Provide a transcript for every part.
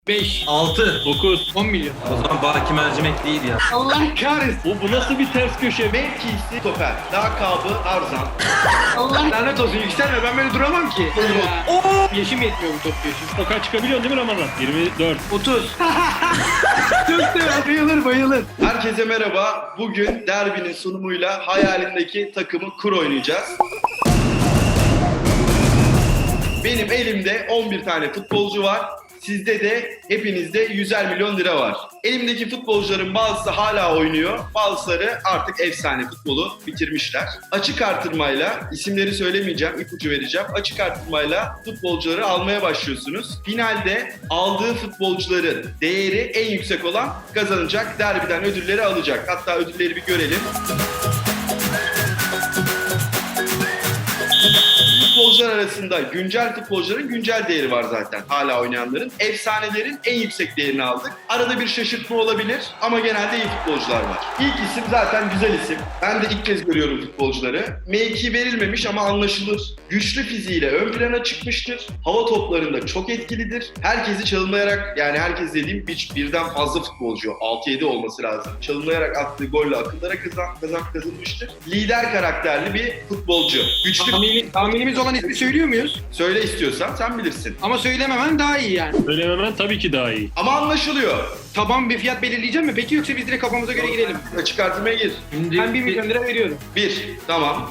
5, 6. 9. 10 milyon. O zaman Baki Mercimek değil ya. Allah kahretsin. Bu nasıl bir ters köşe? Mevkisi stoper. Lakabı Tarzan. Allah lanet olsun, yükselme, ben böyle duramam ki. Yaşım yetmiyor bu top yaşım. Sokağa çıkabiliyorsun değil mi Ramazan? 24. 30. Çok sever, bayılır bayılır. Herkese merhaba. Bugün derbinin sunumuyla hayalindeki takımı kur oynayacağız. Benim elimde 11 tane futbolcu var. Sizde de hepinizde 100'er milyon lira var. Elimdeki futbolcuların bazısı hala oynuyor. Bazıları artık efsane futbolu bitirmişler. Açık artırmayla, isimleri söylemeyeceğim, ipucu vereceğim. Açık artırmayla futbolcuları almaya başlıyorsunuz. Finalde aldığı futbolcuların değeri en yüksek olan kazanacak. Derbiden ödülleri alacak. Hatta ödülleri bir görelim. Futbolcular arasında güncel futbolcuların güncel değeri var zaten, hala oynayanların. Efsanelerin en yüksek değerini aldık. Arada bir şaşırtma olabilir ama genelde iyi futbolcular var. İlk isim zaten güzel isim. Ben de ilk kez görüyorum futbolcuları. Mevki verilmemiş ama anlaşılır. Güçlü fiziğiyle ön plana çıkmıştır. Hava toplarında çok etkilidir. Herkesi çalımlayarak, yani herkes dediğim birden fazla futbolcu, 6-7 olması lazım. Çalımlayarak attığı golle akıllara kazanmıştır. Lider karakterli bir futbolcu. Güçlü. Tahminimiz olan ismi söylüyor muyuz? Söyle istiyorsan, sen bilirsin. Ama söylememen daha iyi yani. Söylememen tabii ki daha iyi. Ama anlaşılıyor. Taban bir fiyat belirleyeceğim mi? Peki yoksa biz direkt kafamıza göre girelim. Açık artırmaya gir. Şimdi Ben 1 milyon lira veriyorum. 1. Tamam.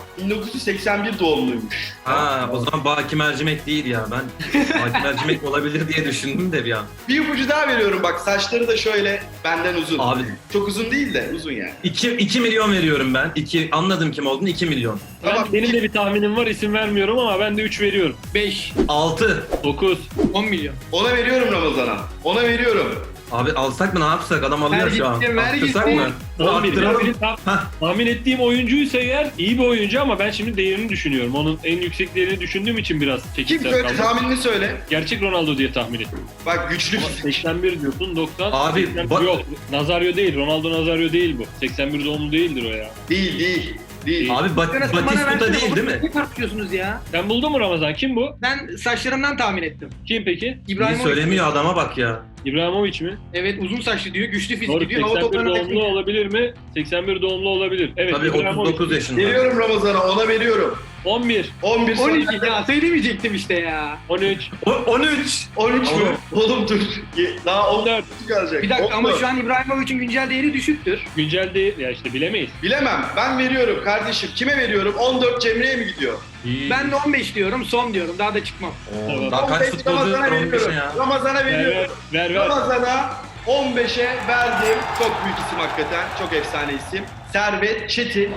1981 doğumluymuş. Ha, o zaman Baki Mercimek değil ya. Ben Baki Mercimek olabilir diye düşündüm de bir an. Bir ipucu daha veriyorum bak. Saçları da şöyle benden uzun. Abi Çok uzun değil de uzun yani. 2 milyon veriyorum ben. Anladım kim olduğunu, 2 milyon. Tamam. Benim de bir tahminim var, isim vermiyorum ama ben de 3 veriyorum. 5, 6. 9. 10 milyon. Ona veriyorum Ramazan'a. Ona veriyorum. Abi alsak mı, ne yapsak? Adam alıyor şu an. Ver Arttırsak gitsin. mı? 11. Arttıralım. Hah. Tahmin ettiğim oyuncuysa eğer iyi bir oyuncu ama ben şimdi değerini düşünüyorum. Onun en yüksek değerini düşündüğüm için biraz Kim çekimsel söyle, kaldım. tahminini söyle. Gerçek Ronaldo diye tahmin ettim. Bak güçlü Ama fizik. 81 diyorsun, 90. Abi, 81 yok. Nazario değil, Ronaldo Nazario değil bu. 81 doğumlu değildir o ya. Değil. Abi Batistuta değil mi? Ne tartışıyorsunuz ya? Sen buldun mu Ramazan? Kim bu? Ben saçlarımdan tahmin ettim. Kim peki? Bir İbrahimovic. söylemiyor adama bak ya. İbrahimovic mi? Evet, uzun saçlı diyor, güçlü Doğru, fizik diyor. Hava 81 toplarına doğumlu olabilir mi? 81 doğumlu olabilir. Evet, Tabii İbrahimovic. 39 yaşında. Veriyorum Ramazan'a, ona veriyorum. 11, 11 sonra. 12 ya, söylemeyecektim işte ya. 13, 13. 13 mü? Oğlum dur. Daha 14. kalacak. Bir dakika ama 14. şu an İbrahimovic'in güncel değeri düşüktür. güncel değil. Ya işte bilemeyiz. Bilemem. Ben veriyorum kardeşim. Kime veriyorum? 14 Cemre'ye mi gidiyor? Ben de 15 diyorum, son diyorum. Daha da çıkmam. Oo, daha kaç 15 futbolcu Ramazan'a var 15'e veriyorum. ya? Ramazan'a Ver veriyorum. ver. Ramazan'a 15'e verdim. Çok büyük isim hakikaten. Çok efsane isim. Servet Çetin.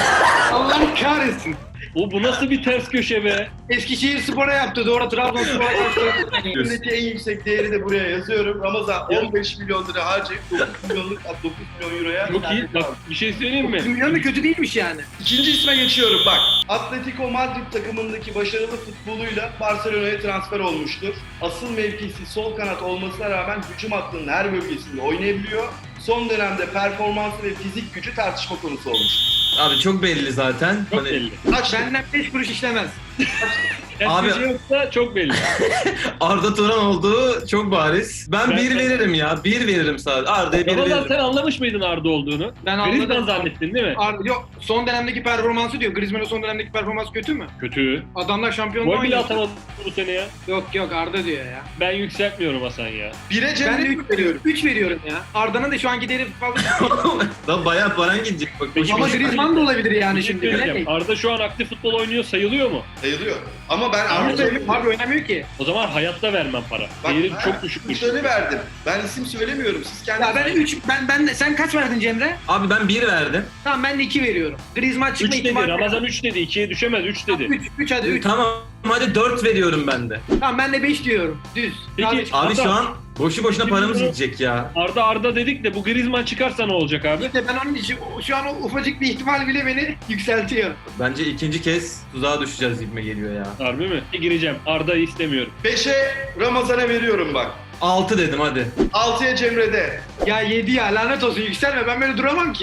Allah kahretsin. Bu nasıl bir ters köşe be? Eskişehir Spor'a yaptı, doğru Trabzonspor'a yaptı. Elimdeki en yüksek değeri de buraya yazıyorum. Ramazan 15 milyon lira harcayıp 9 milyon euroya. Çok iyi. Bak bir şey söyleyeyim mi? 1 milyon da kötü değilmiş yani. İkinci isme geçiyorum bak. Atletico Madrid takımındaki başarılı futboluyla Barcelona'ya transfer olmuştur. Asıl mevkisi sol kanat olmasına rağmen hücum hattının her bölgesinde oynayabiliyor. Son dönemde performansı ve fizik gücü tartışma konusu olmuş. Abi çok belli zaten. Çok Hani belli. Kaç Benden 5 kuruş işlemez. Ters Abi- köşe yoksa çok belli. Arda Turan olduğu çok bariz. Ben Ben- 1 veririm ya. 1 veririm sadece. Arda'ya 1 Ramazan veririm. sen anlamış mıydın Arda olduğunu? Ben anladım. Griezmann zannettin değil mi? Yok, son dönemdeki performansı diyor. Griezmann'ın son dönemdeki performansı kötü mü? Kötü. Adamlar şampiyonluğa Gol bile oynuyor. atamadı bu sene ya. Yok Arda diyor ya. Ben yükseltmiyorum Hasan ya. Bire Ben de Cemre'ye 3 veriyorum. 3 veriyorum ya. Arda'nın da şu anki değeri fazla. Daha bayağı paran gidecek bak. Peki, Ama bir şey- Griezmann da olabilir yani Bir şey şimdi. söyleyeceğim. Bilemeyiz. Arda şu an aktif futbol oynuyor, sayılıyor mu? sayılıyor. Ama ben Arda Arda abi oynamıyor ki. O zaman hayatta vermem para. Değeri çok düşüktür. İşleri verdim. Ben isim söylemiyorum. Siz kendiniz. Ya ben 3 ben de sen kaç verdin Cemre? Abi ben 1 verdim. Tamam, ben de 2 veriyorum. Griezmann 3 çıkma dedi, ihtimali. Ramazan 3 dedi, 2'ye düşemez, 3 dedi. 3 hadi 3. Tamam hadi 4 veriyorum ben de. Tamam, ben de 5 diyorum. Düz. Peki, Sadece- Abi Arda- şu an boşu boşuna paramız Şimdi- gidecek ya. Arda dedik de bu Griezmann çıkarsa ne olacak abi? İşte ben onun için şu an o ufacık bir ihtimal bile beni yükseltiyor. Bence ikinci kez tuzağa düşeceğiz gibime geliyor ya. Harbi mi? Gireceğim. Arda'yı istemiyorum. 5'e Ramazan'a veriyorum bak. 6 dedim hadi. 6'ya Cemre'de. Ya 7 ya, lanet olsun, yükselme, ben böyle duramam ki.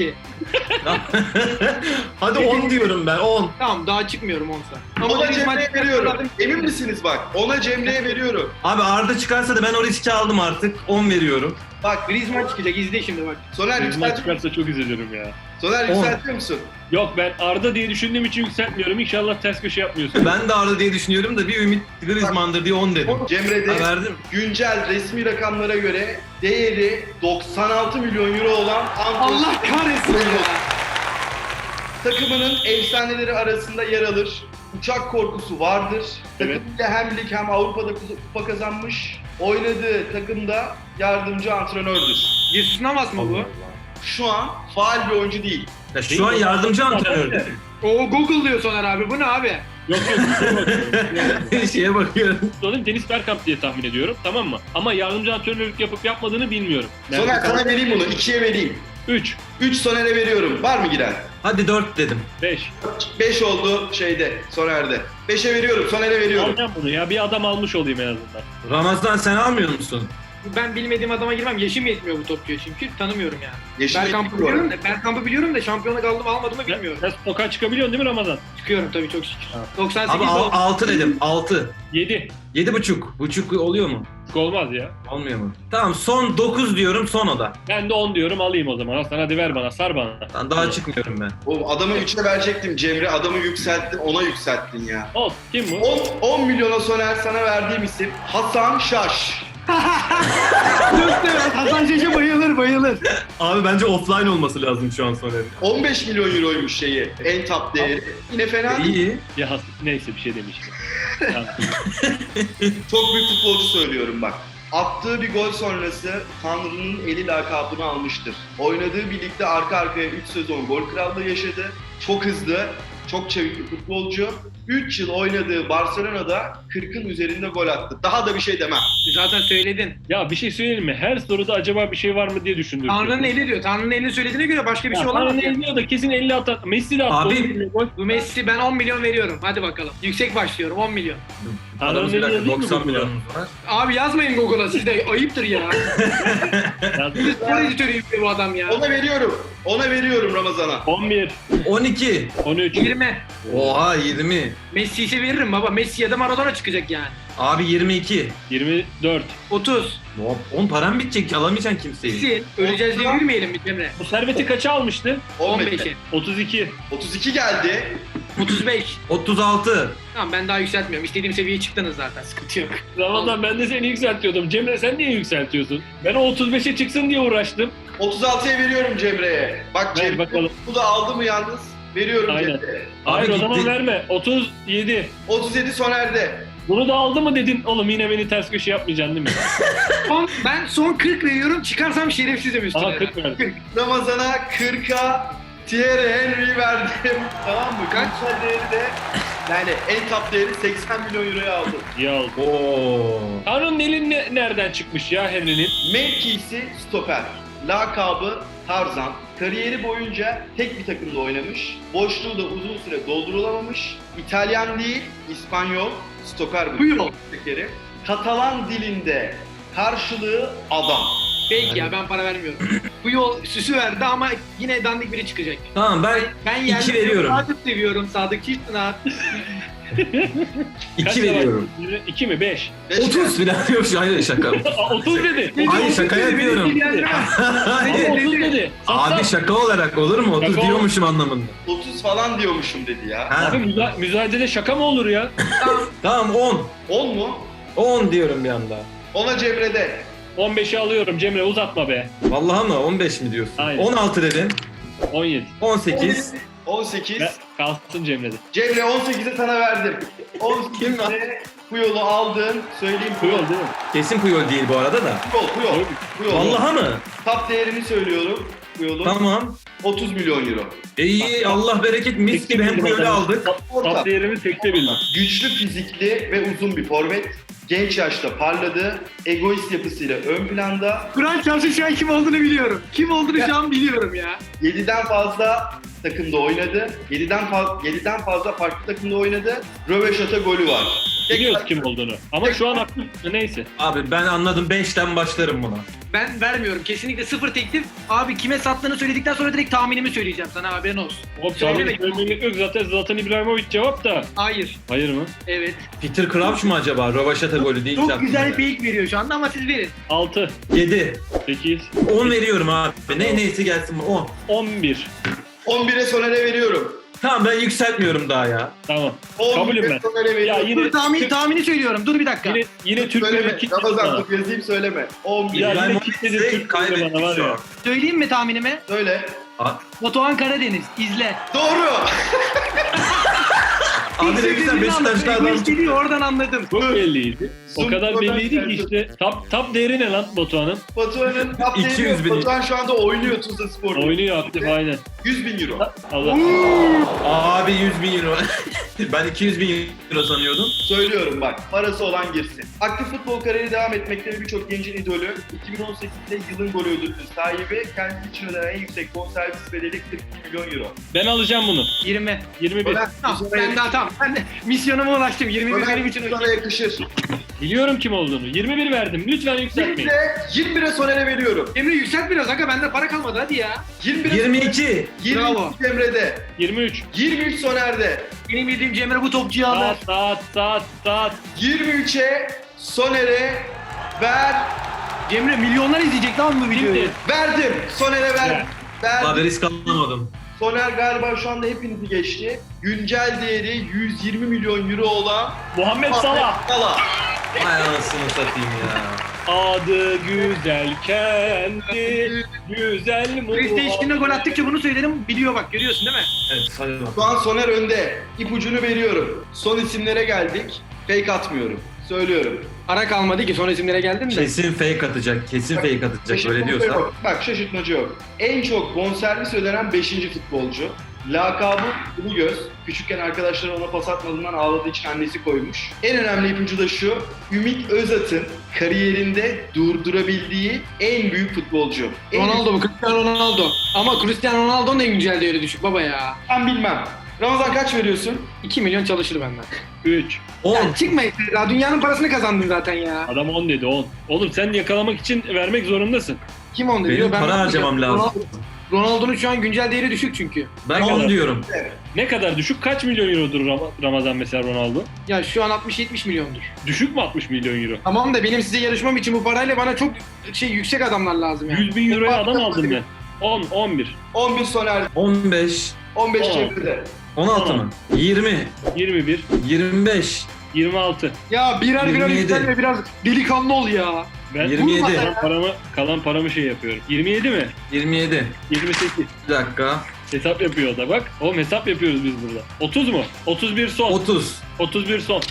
Hadi 10 diyorum ben 10. Tamam daha çıkmıyorum 10'sa. Ona Griezmann Cemre'ye çıkarsa veriyorum. zaten- Emin misiniz bak? Ona Cemre'ye veriyorum. Abi Arda çıkarsa da ben o riski aldım artık. 10 veriyorum. Bak Griezmann çıkacak izle şimdi bak. Soner Griezmann yükseltiyor musun? çıkarsa çok üzülürüm ya. Soner yükseltiyor musun? Yok ben Arda diye düşündüğüm için yükseltmiyorum. İnşallah ters köşe yapmıyorsun. Ben de Arda diye düşünüyorum da bir ümit Griezmann'dır diye 10 dedim. Cemre'de Ha, verdim. güncel resmi rakamlara göre değeri 96 milyon euro olan Antwerp Allah kahretsin ya. takımının efsaneleri arasında yer alır. Uçak korkusu vardır. Evet. Takımıyla hem lig hem Avrupa'da kupa kazanmış. Oynadığı takımda yardımcı antrenördür. Jesus Navas mı bu? Şu an faal bir oyuncu değil. Ya şu an yardımcı antrenör. Oo Google diyor Soner abi. Bu ne abi? Yok yok. Şeye bakıyorum. Onun Dennis Bergkamp diye tahmin ediyorum, tamam mı? Ama yardımcı antrenörlük yapıp yapmadığını bilmiyorum. Soner sana vereyim bunu. 2'ye vereyim. 3, 3 Soner'e veriyorum. Var mı giren? Hadi 4 dedim. 5. 5 oldu şeyde, Soner'de. 5'e veriyorum, Soner'e veriyorum. Alacağım bunu ya, bir adam almış olayım en azından. Ramazan sen almıyor musun? Ben bilmediğim adama girmem. Yaşım yetmiyor bu topçuya çünkü. Tanımıyorum yani. Yeşil Bergkamp'ı ekip var. biliyorum da, Bergkamp'ı biliyorum da şampiyonluk aldım almadığımı bilmiyorum. Sen sokağa çıkabiliyorsun değil mi Ramazan? Çıkıyorum tabii çok şükür. Ha. 98 Abi oldu. 6 dedim. 6. 7. 7,5. Buçuk oluyor mu? Olmaz ya. Olmuyor mu? Tamam son 9 diyorum son oda. Ben de 10 diyorum, alayım o zaman. Aslan hadi ver bana, sar bana. Ben daha çıkmıyorum ben. Oğlum adamı 3'e verecektim Cemre. Adamı yükselttin, ona yükselttin ya. Ol. Kim bu? 10 milyona Soner sana verdiğim isim Hasan Şaş. Hasan Şaş'a bayılır. Abi bence offline olması lazım şu an Soner'in. 15 milyon euroymuş şeyi, en top değeri. Yine fena değil. İyi. Ya neyse bir şey demiştim. Tamam. Çok büyük futbolcu söylüyorum bak. Attığı bir gol sonrası Tanrı'nın eli lakabını almıştır. Oynadığı birlikte arka arkaya 3 sezon gol krallığı yaşadı. Çok hızlı, çok çevik bir futbolcu. 3 yıl oynadığı Barcelona'da 40'ın üzerinde gol attı. Daha da bir şey demem. Zaten söyledin. Ya bir şey söyleyeyim mi? Her soruda acaba bir şey var mı diye düşündüm. Tanrı'nın eli diyor. Tanrı'nın elini söylediğine göre başka bir şey olamaz. Tanrı'nın ya. eli diyor da kesin 50 atar. Messi de attı. Abi- 10 milyon gol. Bu Messi ben 10 milyon veriyorum. Hadi bakalım. Yüksek başlıyorum 10 milyon. Adamız bir dakika 90 milyonumuz var. Abi yazmayın Google'a siz de ayıptır ya. Yazdım. Spor editörüyüm bu adam ya. Ona veriyorum. Ona veriyorum Ramazan'a. 11, 12. 13. 20. Oha 20. Messi ise veririm baba. Messi ya da Maradona çıkacak yani. Abi 22. 24. 30. 10 param bitecek alamayacaksın kimseyi. Messi. Öleceğiz diye yürümeyelim bir Emre. Bu serveti kaça almıştı? 15'e. 32. 32 geldi. 35. 36. Tamam ben daha yükseltmiyorum. İstediğim seviyeye çıktınız zaten. Sıkıntı yok. Ramazan ben de seni yükseltiyordum. Cemre sen niye yükseltiyorsun? Ben o 35'e çıksın diye uğraştım. 36'ya veriyorum Cemre'ye. Bak Ver Cemre bakalım. bu da aldı mı yalnız? Veriyorum Aynen. Cemre'ye. Hayır o gitti. zaman verme. 37. 37 Soner'de. Bunu da aldı mı dedin? Oğlum yine beni ters köşe yapmayacaksın değil mi? Ben son 40 veriyorum. Çıkarsam şerefsizim üstüne. Aha 40 verdim. Ramazan'a 40'a Thierry Henry verdim. Tamam mı? Kaç? Güncel değeri de yani en top değeri 80 milyon euroya aldım. İyi oldu. Oo. Tanrı'nın eli nereden çıkmış ya Henry'nin? Mevkisi stoper. Lakabı Tarzan. Kariyeri boyunca tek bir takımda oynamış. Boşluğu da uzun süre doldurulamamış. İtalyan değil, İspanyol. Stoper bu. Puyol. Tekeri. Katalan dilinde karşılığı adam. Peki ya ben para vermiyorum. Bu yol süsü verdi ama yine dandik biri çıkacak. Tamam ben Ben 2 veriyorum. Sadık seviyorum. Sadık Çiftpınar. 2 veriyorum. 2 mi? 5. 30 falan yok şu hayır şaka. 30 dedi. Hayır şaka yapıyorum. Ama Hayır. 30 dedi. Abi şaka olarak olur mu? 30 Şaka diyormuşum anlamında. 30 falan diyormuşum dedi ya. Ha. Abi müzajedede şaka mı olur ya? Tamam 10. 10 mu? 10 diyorum bir anda. Ona Cemre'de. 15'i alıyorum Cemre, uzatma be. Vallahi mı? 15 mi diyorsun? Aynen. 16 dedin. 17. 18. 18. Kalsın Cemre'de. Cemre 18'e sana verdim. 18'e bu yolu aldın. Söyleyeyim Puyol değil mi? Kesin Puyol değil bu arada da. Puyol. Vallahi mı? Top değerini söylüyorum. Puyol'un Tamam. 30 milyon euro. İyi Allah bereket mis gibi hem Puyol'u aldık. Orta. Top değerimi tekte bildim. Güçlü fizikli ve uzun bir forvet. Genç yaşta parladı. Egoist yapısıyla ön planda. Kur'an çarşı şu an kim olduğunu biliyorum. Kim olduğunu şu an biliyorum ya. 7'den fazla takımda oynadı. 7'den fazla farklı takımda oynadı. Röveşata golü var. Biliyoruz kim olduğunu. Ama şu an aktif neyse. Abi ben anladım 5'ten başlarım buna. Ben vermiyorum. Kesinlikle sıfır teklif. Abi kime sattığını söyledikten sonra direkt tahminimi söyleyeceğim sana, haberin olsun. Hop Söyleme. söylemek yok zaten Zlatan İbrahimovic cevap da. Hayır. Hayır mı? Evet. Peter Crouch mu acaba? Rövaşata golü değil. Çok güzel fake veriyor şu anda ama siz verin. 6, 7. 8, 10 veriyorum abi. Neyse gelsin 10. 11. 11'e Soner'e veriyorum. Tamam ben yükseltmiyorum daha ya. Tamam. 11'e Kabulüm ben. Soner'e veriyorum. Ya yine Dur tahmini söylüyorum. Dur bir dakika. yine Türk Söyleme. böyle kitledi Ramazan bana. dur yazayım söyleme. 11. Ya İbrahim yine Hoca kitledi ise Türk böyle bana var kaybetti şu ya. an. Söyleyeyim mi tahminimi? Söyle. Batuhan Karadeniz. İzle. Doğru. Abi ne güzel Beşiktaşlı adam. Geliyor, oradan anladım. Çok belliydi. O Zoom kadar kadar belliydi ki geldi. işte. Top değeri ne lan Batuhan'ın? Batuhan'ın 200 bin. Batuhan şu anda oynuyor Tuzla Spor'da. Oynuyor aktif aynen. 100 bin euro. Allah. Abi 100 bin euro. Ben 200 bin euro sanıyordum. Söylüyorum bak, parası olan girsin. Aktif futbol kariyeri devam etmekte birçok gencin idolü. 2018'de yılın golü ödülünün sahibi, kendisi için ödenen en yüksek bonservis bedeli 42 milyon euro. Ben alacağım bunu. 20. 21. Soner, Tamam, Soner'e ben daha tamam. Ben de misyonuma ulaştım. 21 benim için sana yakışır. Biliyorum kim olduğunu. 21 verdim. Lütfen yükseltmeyin. 21'e Soner'e veriyorum. Emre yükselt biraz aga, bende para kalmadı hadi ya. 21'e 22. 22 Bravo. Emre'de. 23. 23 Soner'de. Benim bildiğim Cemre bu topçuyu alır. Saat. 23'e Soner'e ver. Cemre milyonlar izleyecek lan bu videoyu. Şimdi Verdim. Soner'e ver. Abi Verdim. risk alamadım. Soner galiba şu anda hepinizi geçti. Güncel değeri 120 milyon euro olan Muhammed Salah. Salah. Hay anasını satayım ya. Adı güzel kendi güzel PlayStation'da gol attıkça bunu söylerim, biliyor bak, görüyorsun değil mi? Evet hadi bak. Şu an Soner önde. İpucunu veriyorum. Son isimlere geldik. Fake atmıyorum. Söylüyorum. Para kalmadı ki, son isimlere geldim de. Kesin fake atacak. Kesin fake atacak öyle diyorsa. Yok. Bak şaşırtmacı yok. En çok bonservis ödenen 5. futbolcu. Lakabı Ulu Göz. Küçükken arkadaşları ona pas atmadığından ağladığı için annesi koymuş. En önemli ipucu da şu. Ümit Özat'ın kariyerinde durdurabildiği en büyük futbolcu. Ronaldo bu, Cristiano Ronaldo. Ama Cristiano Ronaldo'nun en güncel değeri düşük baba ya. Ben bilmem. Ramazan kaç veriyorsun? 2 milyon çalışır benden. 3. 10. Ya çıkma ya, dünyanın parasını kazandın zaten ya. Adam 10 dedi 10. Oğlum sen yakalamak için vermek zorundasın. Kim onu diyor? Benim para bakmayacağım. harcamam lazım. Ronaldo'nun şu an güncel değeri düşük çünkü. Ben Ne 10 kadar? diyorum. Ne kadar düşük? Kaç milyon eurodur Ramazan mesela Ronaldo? Ya şu an 60-70 milyondur. Düşük mü 60 milyon euro? Tamam da benim size yarışmam için bu parayla bana çok yüksek adamlar lazım yani. 100 bin euroya adam aldım ben. 10, 11, 11 Soner, 15. 15 Tamam. Cemre'de. 16 mı? 20. 21, 25. 26. Ya birer 27. yükselme, biraz delikanlı ol ya. Ben 27. kalan paramı şey yapıyorum. 27 mi? 27. 28. Bir dakika. Hesap yapıyor o da bak. Oğlum hesap yapıyoruz biz burada. 30 mu? 31 son. 30. 31 son.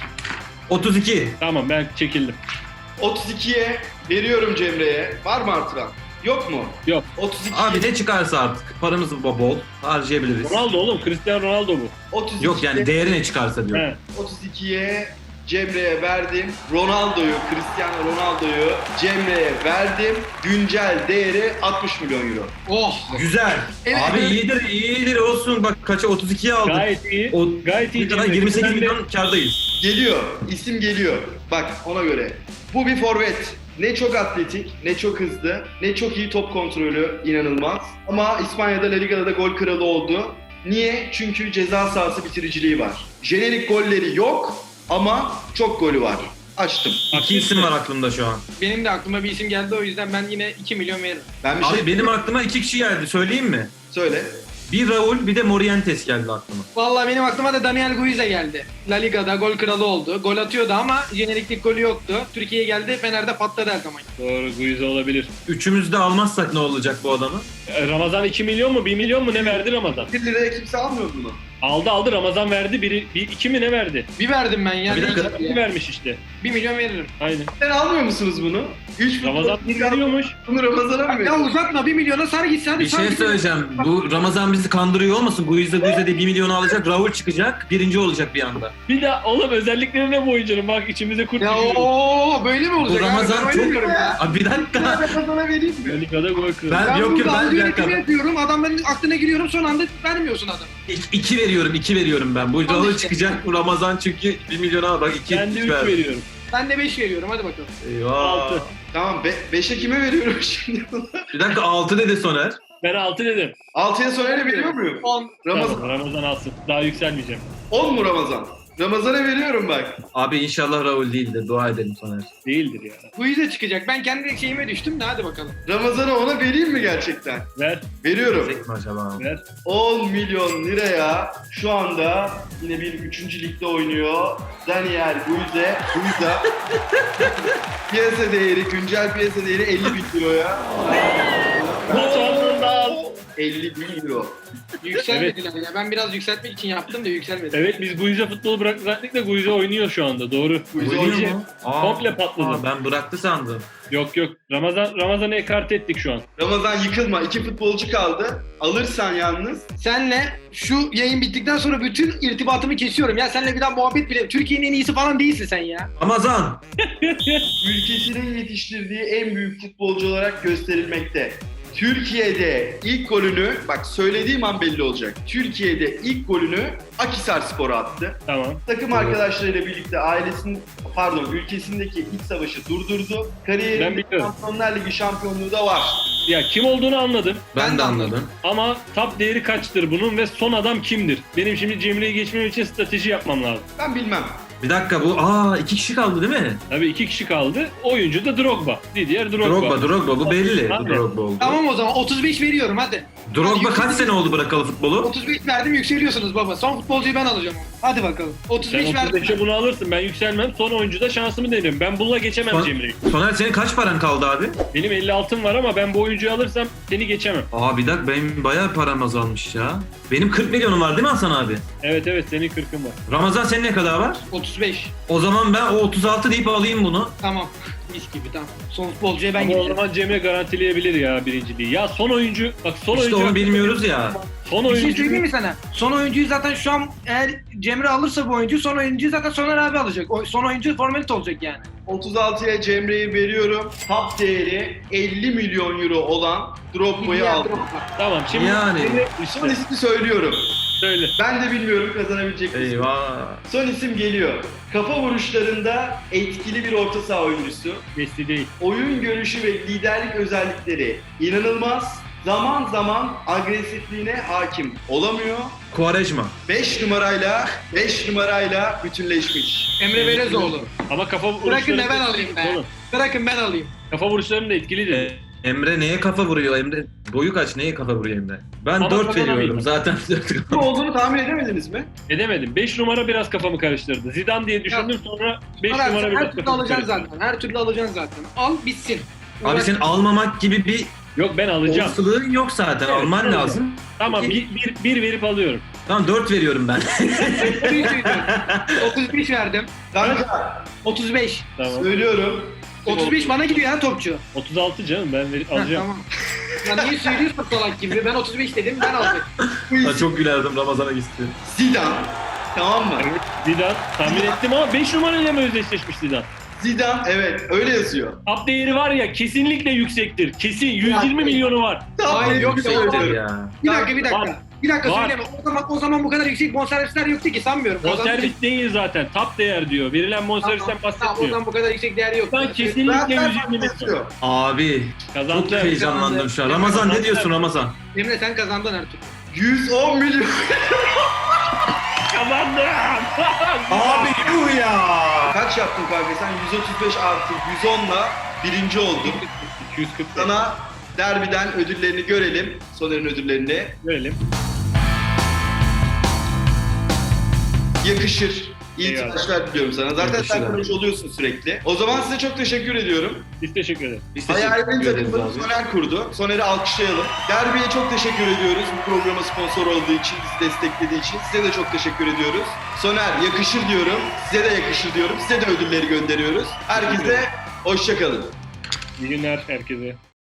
32. Tamam ben çekildim. 32'ye veriyorum Cemre'ye. Var mı artıran? Yok mu? Yok. 32. Abi ne çıkarsa artık. Paramız bol. Harcayabiliriz. Ronaldo oğlum. Cristiano Ronaldo bu. 32'ye Yok yani değeri ne çıkarsa diyor. He. 32'ye Cemre'ye verdim. Cristiano Ronaldo'yu Cemre'ye verdim. Güncel değeri 60 milyon euro. Oh. Güzel. Evet, Abi evet. iyidir olsun. Bak kaça 32'ye aldık. Gayet iyi. O, Gayet iyi. ne kadar Cemre. 28 Ben de- milyon kardayız. Geliyor. İsim geliyor. Bak ona göre. Bu bir forvet. Ne çok atletik, ne çok hızlı, ne çok iyi top kontrolü, inanılmaz. Ama İspanya'da La Liga'da da gol kralı oldu. Niye? Çünkü ceza sahası bitiriciliği var. Jenerik golleri yok ama çok golü var. Açtım. İki isim var aklımda şu an. Benim de aklıma bir isim geldi, o yüzden ben yine 2 milyon veririm. Ben bir Abi şey benim aklıma 2 kişi geldi. Söyleyeyim mi? söyle. Bir Raul bir de Morientes geldi aklıma. Vallahi benim aklıma da Daniel Guiza geldi. La Liga'da gol kralı oldu. Gol atıyordu ama jeneriklik golü yoktu. Türkiye'ye geldi, Fener'de patladı her zaman. Doğru Guiza olabilir. Üçümüz de almazsak ne olacak bu adamı? Ramazan 2 milyon mu 1 milyon mu ne verdi Ramazan? 1 liraya kimse almıyor bunu. Aldı Ramazan verdi. 2 mi ne verdi? Bir verdim ben ya. Bir ne dakika. diyeceğim Bir ya? vermiş işte. 1 milyon veririm. Aynen. Sen almıyor musunuz bunu? 3 Ramazan 1 veriyormuş. Bunu Ramazan'a mı Ya veriyorsun? uzatma, 1 milyona sar gitsin hadi. Bir sar şey gitsin. söyleyeceğim. Bu Ramazan bizi kandırıyor olmasın? Guiza diye 1 milyonu alacak. Raul çıkacak. Birinci olacak bir anda. Bir de oğlum özellikleri ne bu oyuncunun? Bak içimize kurt Ya giriyor. ooo böyle mi olacak? Bu Ramazan abi? Ben çok... oynamıyorum ya. Abi bir dakika. Ramazan'a vereyim mi? Ligada gol kralı. Ben- Ben Yok, burada ben algı bir yönetimi dakika. yapıyorum. Adamların aklına giriyorum, son anda vermiyorsun adam. 2 veriyorum ben. Bu Al Raul işte. çıkacak. Bu Ramazan çünkü 1 milyona bak 2 Ben de 3 veriyorum. Ben de 5 veriyorum hadi bakalım. Eyvah. 6. Tamam 5'e kime veriyorum şimdi? Bir dakika 6 dedi Soner. Ben 6 dedim. 6'ya Soner'e veriyor muyum? 10. Ramazan. Tamam, Ramazan alsın. Daha yükselmeyeceğim. 10 mu Ramazan? Ramazan'a veriyorum bak. Abi inşallah Raul değildir. Dua edelim Soner. Değildir ya. Quize çıkacak. Ben kendi şeyime düştüm de hadi bakalım. Ramazan'a ona vereyim mi gerçekten? Ver. Veriyorum. Tek mi acaba? Ver. 10 milyon liraya şu anda yine bir 3. ligde oynuyor. Daniel Guiza. Piyasa değeri, güncel piyasa değeri 50 bin euroya. Sonunda. 50 bin euro. Yükselmediler ya. Ben biraz yükseltmek için yaptım da yükselmedi. Evet biz Guiza futbolu bıraktık da Guiza oynuyor şu anda. Doğru. Guiza Oynuyor oynuyor. mu? Aa, Komple patladı. Ben bıraktı sandım. Yok. Ramazan'ı ekart ettik şu an. Ramazan yıkılma. 2 futbolcu kaldı. Alırsan yalnız. Senle şu yayın bittikten sonra bütün irtibatımı kesiyorum. Ya senle bir daha muhabbet bile. Türkiye'nin en iyisi falan değilsin sen ya. Ramazan. Ülkesinin yetiştirdiği en büyük futbolcu olarak gösterilmekte. Türkiye'de ilk golünü, bak söylediğim an belli olacak. Türkiye'de ilk golünü Akhisarspor'a attı. Tamam. Takım arkadaşlarıyla birlikte ülkesindeki iç savaşı durdurdu. Ben Kariyerinde biliyorum. Şampiyonlar Ligi şampiyonluğu da var. Ya kim olduğunu anladım. Ben de anladım. Ama top değeri kaçtır bunun ve son adam kimdir? Benim şimdi Cemre'yi geçmem için strateji yapmam lazım. Ben bilmem. Bir dakika bu 2 kişi kaldı değil mi? Tabii 2 kişi kaldı. Oyuncu da Drogba. Didier Drogba. Drogba bu belli. Abi. Bu Drogba oldu. Tamam o zaman 35 veriyorum hadi. Drogba Hadi kaç sene oldu bırakalı futbolu? 35 verdim yükseliyorsunuz baba. Son futbolcuyu ben alacağım. Hadi bakalım. Sen 35 verdim. 35'e bunu alırsın. Ben yükselmem. Son oyuncuda şansımı denerim. Ben bununla geçemem Son- Cemre'yi. Soner senin kaç paran kaldı abi? Benim 56'm var ama ben bu oyuncuyu alırsam seni geçemem. Bir dakika benim bayağı param azalmış ya. Benim 40 milyonum var değil mi Hasan abi? Evet senin 40'ın var. Ramazan senin ne kadar var? 35. O zaman ben o 36 deyip alayım bunu. Tamam. Mis gibi tamam. Son futbolcuya ben Ama o gideceğim. zaman Cemre garantileyebilir ya birinciliği. Ya son oyuncu, bak son İşte oyuncu. onu bilmiyoruz ya. Son Bir şey oyuncu. söyleyeyim mi sana? Son oyuncuyu zaten şu an eğer Cemre alırsa bu oyuncuyu son oyuncuyu zaten Soner abi alacak. Son oyuncu formalite olacak yani. 36'ya Cemre'yi veriyorum. Top değeri 50 milyon euro olan Drogba'yı Diğer aldım. Drogba. Tamam şimdi Yani. işte Son ismi söylüyorum. söyle. Ben de bilmiyorum kazanabilecek misin? Eyvah. Son isim geliyor. Kafa vuruşlarında etkili bir orta saha oyuncusu. Messi değil. Oyun görüşü ve liderlik özellikleri inanılmaz. Zaman zaman agresifliğine hakim olamıyor. Quaresma. 5 numarayla bütünleşmiş. Emre Belezoğlu. Ama kafa Bırakın vuruşları da ben alayım be. Oğlum, Bırakın ben alayım. kafa vuruşlarının da etkilidir. Emre neye kafa vuruyor? Emre boyu kaç? Neye kafa vuruyor Emre? Ben Ama 4 kazanamayacağım. veriyorum zaten. Bu olduğunu tahmin edemediniz mi? Edemedim. 5 numara biraz kafamı karıştırdı. Zidane diye düşündüm sonra 5 Soner, numara sen biraz her türlü kafamı alacaksın karıştırdı. zaten. Her türlü alacaksın zaten. Al bitsin. Abi senin almamak gibi bir Yok ben alacağım. olasılığın yok zaten. Evet, Alman evet. lazım. Tamam bir verip alıyorum. Tamam 4 veriyorum ben. 35 verdim. Kanka 35. Tamam. söylüyorum. 35 bana gidiyor ya topçu. 36 canım ben alacağım. Tamam. Ya niye söylüyorsun salak gibi? Ben 35 dedim ben alacağım. Bu Ha, isim çok gülerdim Ramazan'a gitti. Zidane. Tamam mı? Evet, Zidane tahmin ettim ama 5 numarayla mı özdeşleşmiş Zidane? Zidane evet öyle yazıyor. Top değeri var ya kesinlikle yüksektir. Kesin 120 milyonu var. Hayır, yok, Yüksektir yok. ya. Bir dakika. Var. Bir dakika Var. söyleme. O zaman bu kadar yüksek bonservisler yoktu ki sanmıyorum. Bonservis değil zaten. Top değer diyor. Verilen bonservisten Tamam, o bahsetmiyor. zaman bu kadar yüksek değeri yok. Ben kesinlikle Zaten 120 farklı milyon. yazıyor. Abi Kazandı. çok heyecanlandım şu an. Ramazan ne diyorsun Ramazan? Emre sen kazandın her türlü. 110 milyon. Kazandım. Abi yuh ya. Kaç yaptın kanka sen? 135 artı 110'la birinci oldun. 240. Sana derbiden ödüllerini görelim. Soner'in ödüllerini. Verelim. Yakışır. İyi Eyvallah. tıraşlar diliyorum sana. Zaten Yakışır sen abi. konuş oluyorsun sürekli. O zaman size çok teşekkür ediyorum. Biz teşekkür ederiz. Biz teşekkür Hayalini ederiz takımını abi. Soner kurdu. Soner'i alkışlayalım. Derbiye çok teşekkür ediyoruz. Bu programa sponsor olduğu için, bizi desteklediği için. Size de çok teşekkür ediyoruz. Soner yakışır diyorum. Size de yakışır diyorum. Size de ödülleri gönderiyoruz. Herkese hoşça kalın. İyi günler herkese.